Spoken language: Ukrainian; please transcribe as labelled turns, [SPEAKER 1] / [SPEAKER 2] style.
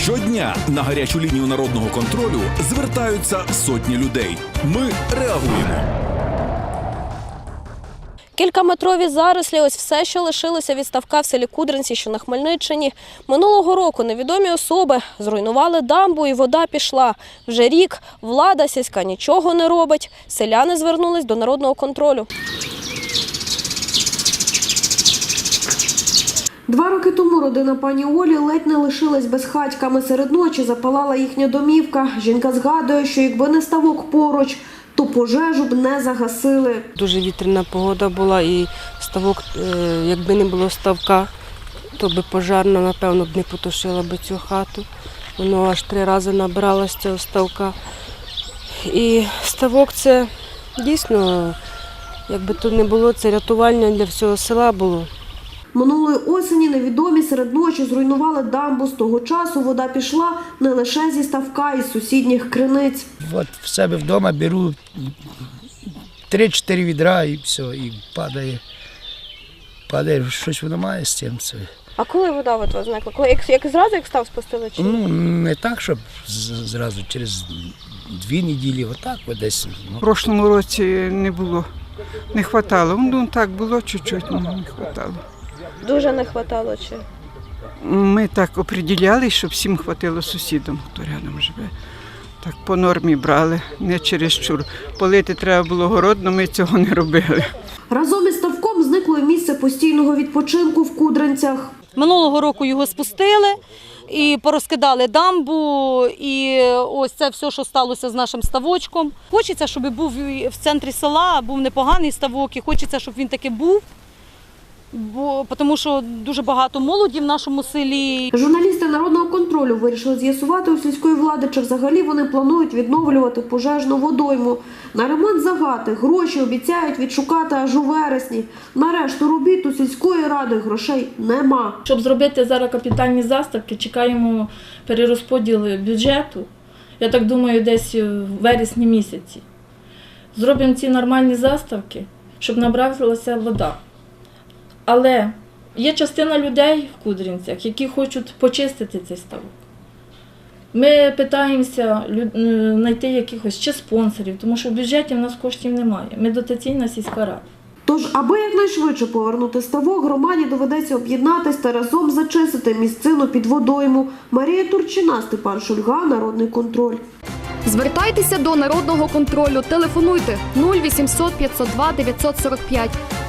[SPEAKER 1] Щодня на гарячу лінію народного контролю звертаються сотні людей. Ми реагуємо.
[SPEAKER 2] Кількаметрові зарослі – ось все, що лишилося від ставка в селі Кудринці, що на Хмельниччині. Минулого року невідомі особи зруйнували дамбу і вода пішла. Вже рік влада сільська нічого не робить. Селяни звернулись до народного контролю. 2 роки тому родина пані Олі ледь не лишилась безхатьками. Серед ночі запалала їхня домівка. Жінка згадує, що якби не ставок поруч, то пожежу б не загасили.
[SPEAKER 3] Дуже вітряна погода була і ставок, якби не було ставка, то би пожарна, напевно, б не потушила б цю хату. Воно аж 3 рази набрало з цього ставка. І ставок – це дійсно, якби тут не було, це рятування для всього села було.
[SPEAKER 2] Минулої осені невідомі серед ночі зруйнували дамбу. З того часу вода пішла не лише зі ставка, із сусідніх криниць.
[SPEAKER 4] От в себе вдома беру 3-4 відра і все, і падає. Падає, щось воно має з цим.
[SPEAKER 2] А коли вода от зникла? Як зразу, як став спустили? Чи?
[SPEAKER 4] Ну, не так, щоб зразу через 2 неділі, отак десь.
[SPEAKER 5] В прошлому році не було, не хватало. Ну так було чуть-чуть, але не хватало.
[SPEAKER 2] Дуже не хватало чи?
[SPEAKER 5] Ми так определяли, щоб всім хватило сусідам, хто рядом живе. Так по нормі брали, не чересчур. Полити треба було город, але ми цього не робили.
[SPEAKER 2] Разом із ставком зникло і місце постійного відпочинку в Кудринцях.
[SPEAKER 6] Минулого року його спустили і порозкидали дамбу, і ось це все, що сталося з нашим ставочком. Хочеться, щоб був в центрі села, був непоганий ставок, і хочеться, щоб він таки був. Тому що дуже багато молоді в нашому селі.
[SPEAKER 2] Журналісти народного контролю вирішили з'ясувати у сільської влади, чи взагалі вони планують відновлювати пожежну водойму. На ремонт загати гроші обіцяють відшукати аж у вересні. На решту робіт у сільської ради грошей нема.
[SPEAKER 7] Щоб зробити зараз капітальні заставки, чекаємо перерозподіл бюджету. Я так думаю, десь в вересні місяці. Зробимо ці нормальні заставки, щоб набралася вода. Але є частина людей в Кудринцях, які хочуть почистити цей ставок. Ми питаємося знайти якихось чи спонсорів, тому що в бюджеті в нас коштів немає. Ми дотаційна сільська рада.
[SPEAKER 2] Тож, аби якнайшвидше повернути ставок, громаді доведеться об'єднатись та разом зачистити місцину під водойму. Марія Турчина, Степан Шульга, Народний контроль.
[SPEAKER 8] Звертайтеся до Народного контролю. Телефонуйте 0800 502 945.